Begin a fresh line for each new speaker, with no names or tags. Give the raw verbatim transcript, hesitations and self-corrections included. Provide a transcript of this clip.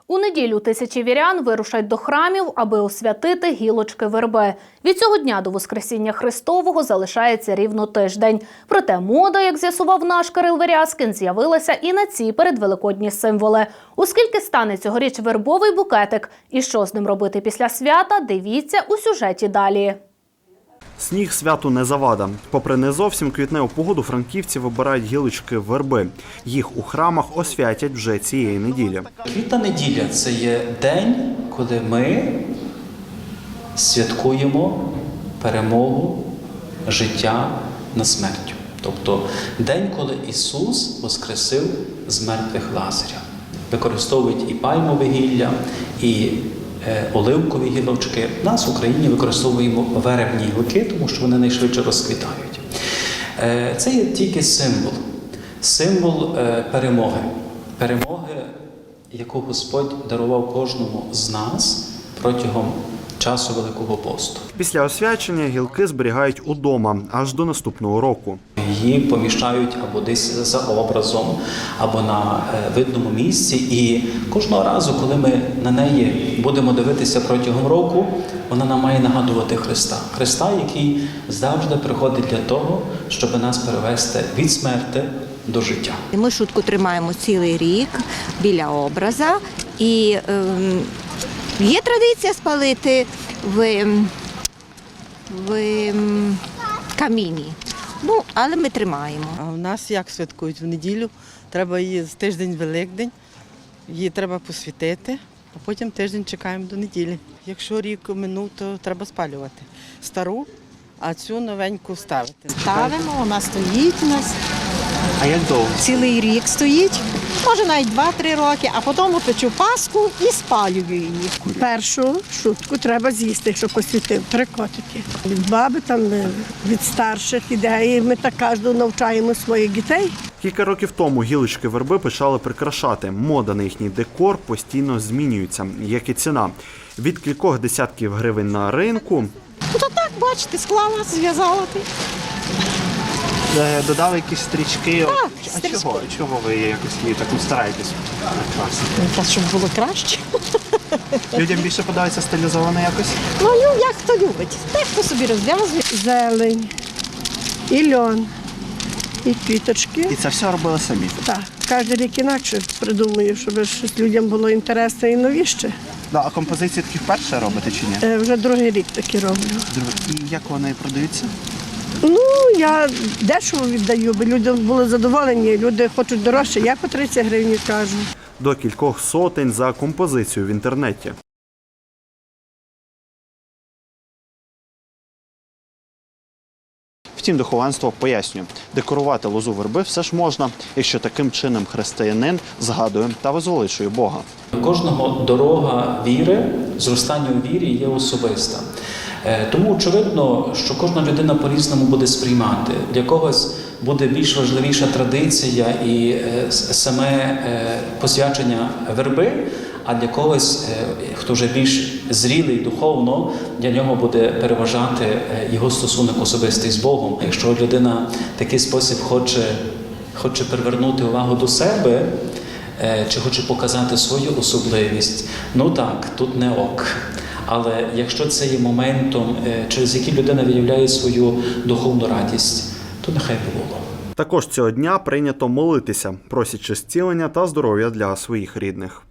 У неділю тисячі вірян вирушать до храмів, аби освятити гілочки верби. Від цього дня до Воскресіння Христового залишається рівно тиждень. Проте мода, як з'ясував наш Кирил Верязкін, з'явилася і на ці передвеликодні символи. Оскільки стане цьогоріч вербовий букетик і що з ним робити після свята, дивіться у сюжеті далі.
Сніг святу не завада. Попри не зовсім квітневу погоду, франківці вибирають гілочки верби. Їх у храмах освятять вже цієї неділі.
Квітна неділя – це є день, коли ми святкуємо перемогу життя над смертю. Тобто день, коли Ісус воскресив з мертвих Лазаря. Використовують і пальмове гілля, і оливкові гілочки. У нас в Україні використовуємо вербні гілки, тому що вони найшвидше розквітають. Це є тільки символ. Символ перемоги. Перемоги, яку Господь дарував кожному з нас протягом часу Великого посту.
Після освячення гілки зберігають удома аж до наступного року.
Її поміщають або десь за образом, або на видному місці. І кожного разу, коли ми на неї будемо дивитися протягом року, вона нам має нагадувати Христа. Христа, який завжди приходить для того, щоб нас перевести від смерти до життя.
Ми шутку тримаємо цілий рік біля образа. І е, є традиція спалити в, в каміні. Ну, але ми тримаємо.
А у нас як святкують? В неділю треба її з тиждень Великдень, її треба посвятити, а потім тиждень чекаємо до неділі. Якщо рік минув, то треба спалювати стару, а цю новеньку ставити.
Ставимо, вона стоїть у нас.
А як довго?
Цілий рік стоїть, може навіть два-три роки, а потім печу паску і спалюю її.
Першу шутку треба з'їсти, якщо посвятив, три котики. Від баби, там, від старших ідей, ми так кожного навчаємо своїх дітей.
Кілька років тому гілочки верби почали прикрашати. Мода на їхній декор постійно змінюється, як і ціна. Від кількох десятків гривень на ринку.
Ну то так, бачите, склала, зв'язала.
Додали якісь стрічки.
Так,
а
стрічки.
чого? Чого ви якось її так стараєтесь прикрасити?
Та щоб було краще.
Людям більше подобається стилізовано якось?
Ну, ну як хто любить. Так хто собі розв'язує.
Зелень, і льон, і квіточки.
І це все робили самі?
Так, кожен рік інакше придумую, щоб щось людям було інтересне і новіще.
Да, а композиції такі вперше робите чи ні?
Е, вже другий рік такі роблю.
І як вони продаються?
Ну, я дешево віддаю, бо люди були задоволені, люди хочуть дорожче, я по тридцять гривень кажу.
До кількох сотень за композицію в інтернеті.
Втім, духовенство пояснює, декорувати лозу верби все ж можна, якщо таким чином християнин згадує та возвеличує Бога.
Кожного дорога віри, зростання у вірі є особиста. Тому очевидно, що кожна людина по-різному буде сприймати. Для когось буде більш важливіша традиція і саме посвячення верби, а для когось, хто вже більш зрілий духовно, для нього буде переважати його стосунок особистий з Богом. Якщо людина в такий спосіб хоче, хоче привернути увагу до себе, чи хоче показати свою особливість, ну так, тут не ок. Але якщо це є моментом, через який людина виявляє свою духовну радість, то нехай би було.
Також цього дня прийнято молитися, просячи зцілення та здоров'я для своїх рідних.